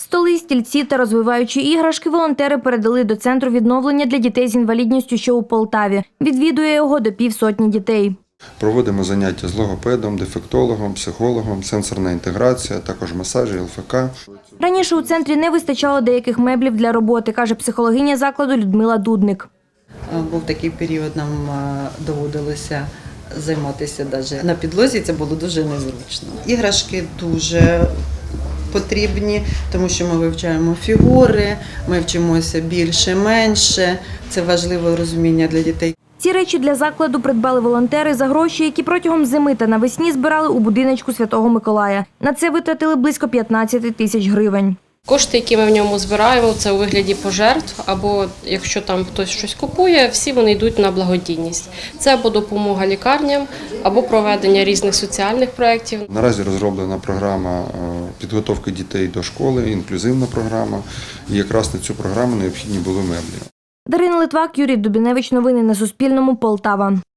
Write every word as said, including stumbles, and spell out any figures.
Столи, стільці та розвиваючі іграшки волонтери передали до Центру відновлення для дітей з інвалідністю, що у Полтаві. Відвідує його до півсотні дітей. Проводимо заняття з логопедом, дефектологом, психологом, сенсорна інтеграція, також масажі, ел еф ка. Раніше у центрі не вистачало деяких меблів для роботи, каже психологиня закладу Людмила Дудник. Був такий період, нам доводилося займатися навіть на підлозі, це було дуже незручно. Іграшки дуже потрібні, тому що ми вивчаємо фігури, ми вчимося більше-менше, це важливе розуміння для дітей. Ці речі для закладу придбали волонтери за гроші, які протягом зими та навесні збирали у будиночку Святого Миколая. На це витратили близько п'ятнадцять тисяч гривень. Кошти, які ми в ньому збираємо, це у вигляді пожертв, або якщо там хтось щось купує, всі вони йдуть на благодійність. Це або допомога лікарням, або проведення різних соціальних проєктів. Наразі розроблена програма підготовки дітей до школи, інклюзивна програма. І якраз на цю програму необхідні були меблі. Дарина Литвак, Юрій Дубіневич. Новини на Суспільному. Полтава.